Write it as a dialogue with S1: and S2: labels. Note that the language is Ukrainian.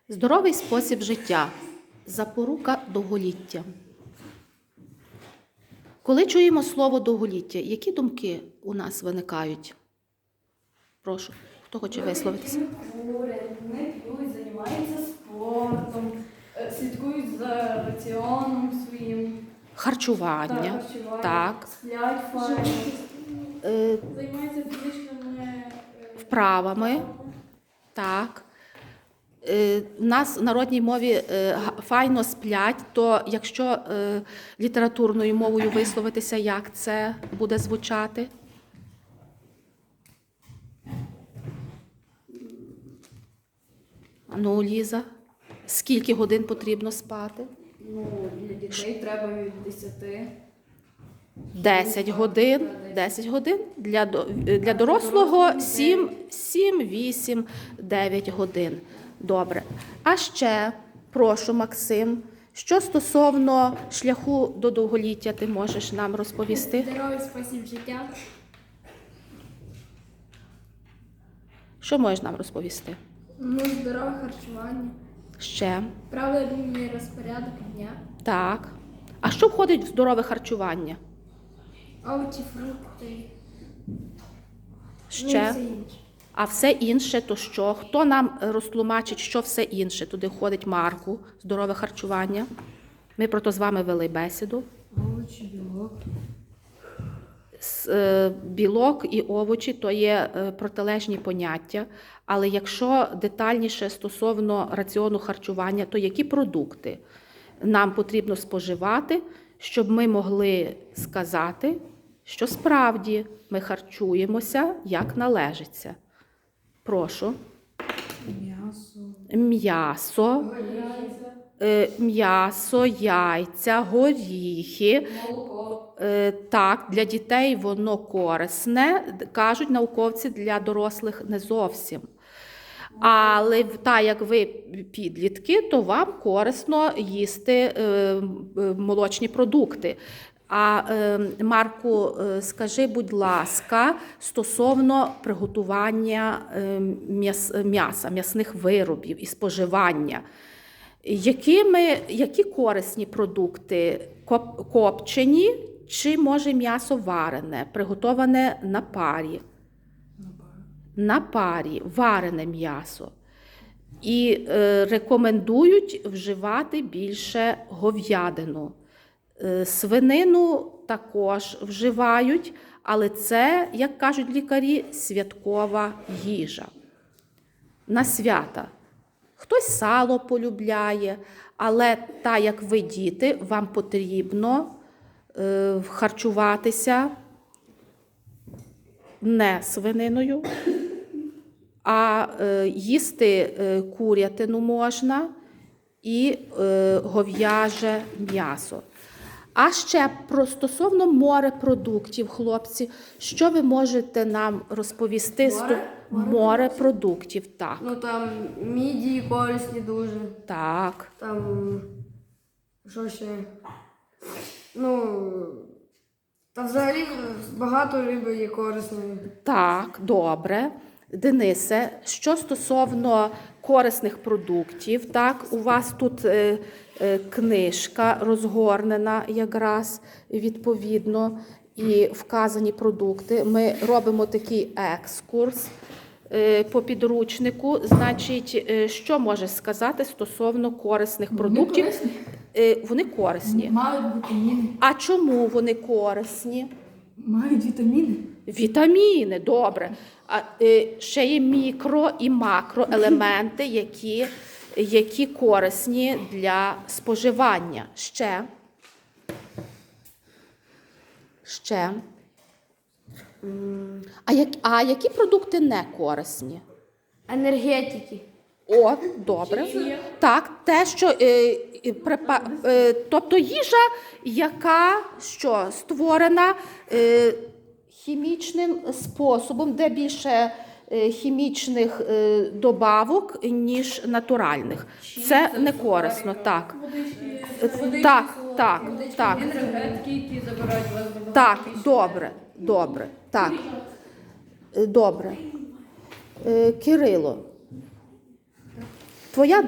S1: Здоровий спосіб життя – запорука довголіття. Коли чуємо слово «довголіття», які думки у нас виникають? Прошу, хто хоче висловитися?
S2: Не п'ють, займаються спортом, слідкують за раціоном своїм.
S1: Харчування. Так.
S2: Сплять файно.
S3: Займаються фізичними
S1: Вправами. Так. У нас в народній мові файно сплять, то якщо літературною мовою висловитися, як це буде звучати? Ну, Ліза, скільки годин потрібно спати?
S2: Ну, для дітей треба від 10.
S1: 10 годин. 10 годин. Для дорослого 7, 8, 9 годин. Добре. А ще, прошу, Максим, що стосовно шляху до довголіття ти можеш нам розповісти?
S3: здоровий спосіб життя,
S1: Що можеш нам розповісти?
S3: здорове харчування,
S1: Ще.
S3: правильний розпорядок дня,
S1: Так. А що входить в здорове харчування?
S3: овочі, фрукти,
S1: Ще.
S3: і все інше.
S1: А все інше то що? Хто нам розтлумачить, що все інше? Туди входить Марку, здорове харчування. Ми про то з вами вели бесіду.
S2: Овочі, білок.
S1: Білок і овочі – то є протилежні поняття. Але якщо детальніше стосовно раціону харчування, то які продукти нам потрібно споживати, щоб ми могли сказати, що справді ми харчуємося, як належиться? Прошу. М'ясо, яйця, горіхи.
S2: Молоко.
S1: Так, для дітей воно корисне, кажуть науковці, для дорослих не зовсім. Але так як ви підлітки, то вам корисно їсти молочні продукти. А, Марку, скажи, будь ласка, стосовно приготування м'яса, м'ясних виробів і споживання. Які корисні продукти? Копчені чи, може, м'ясо варене, приготоване на парі? На парі, варене м'ясо. І рекомендують вживати більше говядину. Свинину також вживають, але це, як кажуть лікарі, святкова їжа. На свята. Хтось сало полюбляє, але так як ви діти, вам потрібно харчуватися не свининою, а їсти курятину можна і говяже м'ясо. А ще стосовно морепродуктів, хлопці, що ви можете нам розповісти? Морепродуктів, так.
S2: Ну там мідії корисні дуже.
S1: Так.
S2: Там що ще? Ну та взагалі багато риби є корисної.
S1: Так, добре. Денисе, що стосовно корисних продуктів, так, у вас тут книжка розгорнена якраз відповідно і вказані продукти. Ми робимо такий екскурс по підручнику. Значить, що можеш сказати стосовно корисних продуктів? Вони корисні.
S4: Мають вітаміни.
S1: А чому вони корисні?
S4: Мають вітаміни.
S1: Вітаміни, добре. А ще є мікро і макроелементи, які корисні для споживання. Ще. А які продукти не корисні?
S2: Енергетики.
S1: О, добре. Так, те, що тобто їжа, яка створена хімічним способом, де більше хімічних добавок, ніж натуральних. Це не корисно, так. Так.
S2: Енергетики, які забирають вас до
S1: Так, добре. Так. Добре. Кирило, твоя